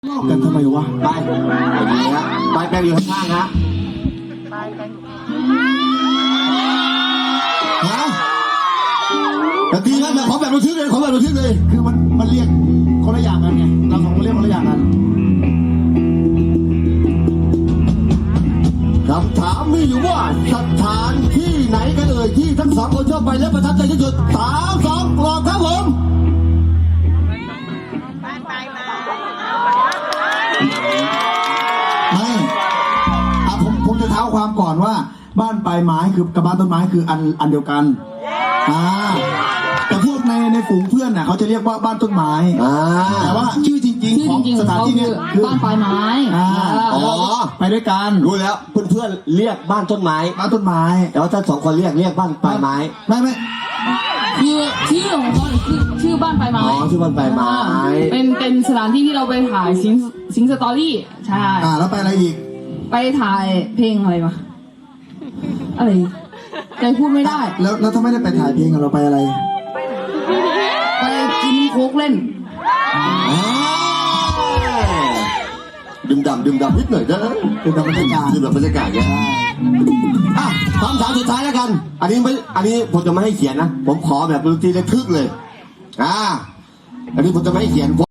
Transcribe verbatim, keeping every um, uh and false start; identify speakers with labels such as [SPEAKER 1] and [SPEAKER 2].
[SPEAKER 1] ลอกกันทำไมวะไปไปดีฮะไปแปลงอยู่ข้างๆฮะฮะแต่ดีนะแต่ขอแบบระทึกเลยขอแบบระทึกเลยคือมันมันเรียกคนละอย่างกันไงเราสองคนเรียกคนละอย่างกันคำถามมีอยู่ว่าสถานที่ไหนกันเอ่ยที่ทั้งสองคนชอบไปและประทับใจที่สุดสามสองกรอบครับผมไม่อ่ะผมผมจะเท้าความก่อนว่าบ้านปลายไม้คือกับบ้านต้นไม้คืออันอันเดียวกันอ่าแต่พวกในในฝูงเพื่อนน่ะเขาจะเรียกว่าบ้านต้นไม้อ่าแต่ว่าชื่อจริงๆของสถานที่นี้คือ
[SPEAKER 2] บ้านปลายไม้
[SPEAKER 1] อ่าอ๋อไปด้วยกัน
[SPEAKER 3] รู้แล้วเพื่อนเพื่อนเรียกบ้านต้นไม้
[SPEAKER 1] บ้านต้นไม้
[SPEAKER 3] แต่ว่าถ้าสองคนเรียกเรียกบ้านปลายไม้
[SPEAKER 1] ไม่ไม่
[SPEAKER 2] คือชื่อของเขาคือชื่อบ้านปลายไม้
[SPEAKER 3] อ๋อชื่อบ้านปลายไม้
[SPEAKER 2] เป็นเป็นสถานที่ที่เราไปถ่ายซิงซิงสตอรี่ใช่
[SPEAKER 1] อ่าแล้วไปอะไรอีก
[SPEAKER 2] ไปถ่ายเพลงอะไรมาอะไรใจพูดไม่ได้
[SPEAKER 1] แล้วแล้วถ้าไม่ได้ไปถ่ายเพลงเราไปอะไร
[SPEAKER 2] ไปกินโค้กเล่น
[SPEAKER 3] ดื่มด่ำดื่มด่ำนิดหน่อยเด้อ
[SPEAKER 1] ดื่มด่ำบรรยากาศ
[SPEAKER 3] ดื่มด่ำบรรยากาศเนี่ยอ่ะคำถามสุดท้ายแล้วกันอันนี้ไม่อันนี้ผมจะไม่ให้เขียนนะผมขอแบบดนตรีระทึกเลยอ่าอันนี้ผมจะไม่ให้เขียน